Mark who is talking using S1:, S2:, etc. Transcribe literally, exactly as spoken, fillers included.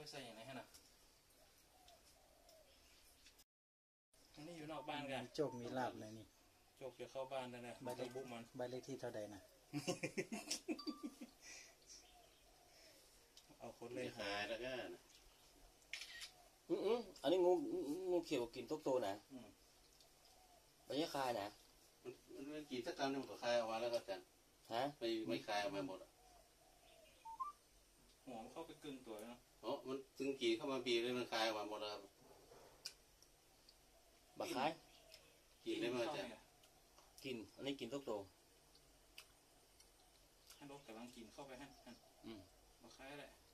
S1: ใส่อย่างไรฮะน่ะอันนี้อยู่นอกบ้านกัน
S2: โจกมีลาบเลยนี่
S1: โจกจะเข้าบ้านได้นะใบเลขบุกมัน
S2: ใบเลขที่เท่าใดนะ
S1: เอาคนเลย
S3: ขายแล้วก็
S4: อืมอืมอันนี้งูงูเขียวกินทุกตัวนะไม่ใช่คายนะ
S3: มันมันกินสักคำนึงมันก็คายออกมาแล้วก็จัง
S4: ฮะ
S3: ไม่ไม่คายออกมาหมดอ่ะ
S1: หัวมันเข้าไปกึ่งตัวเนาะ
S3: โอ้มันจึงกี่เข้ามาบีเลยมันคายออกมาหมดแล้วครับ
S4: บักคาย
S3: กินได้ไหมจ๊ะ
S4: กินอันนี้กินทุกตัว
S1: ให้รถกำลังกินเข้าไปฮะอืมบักคายแหละ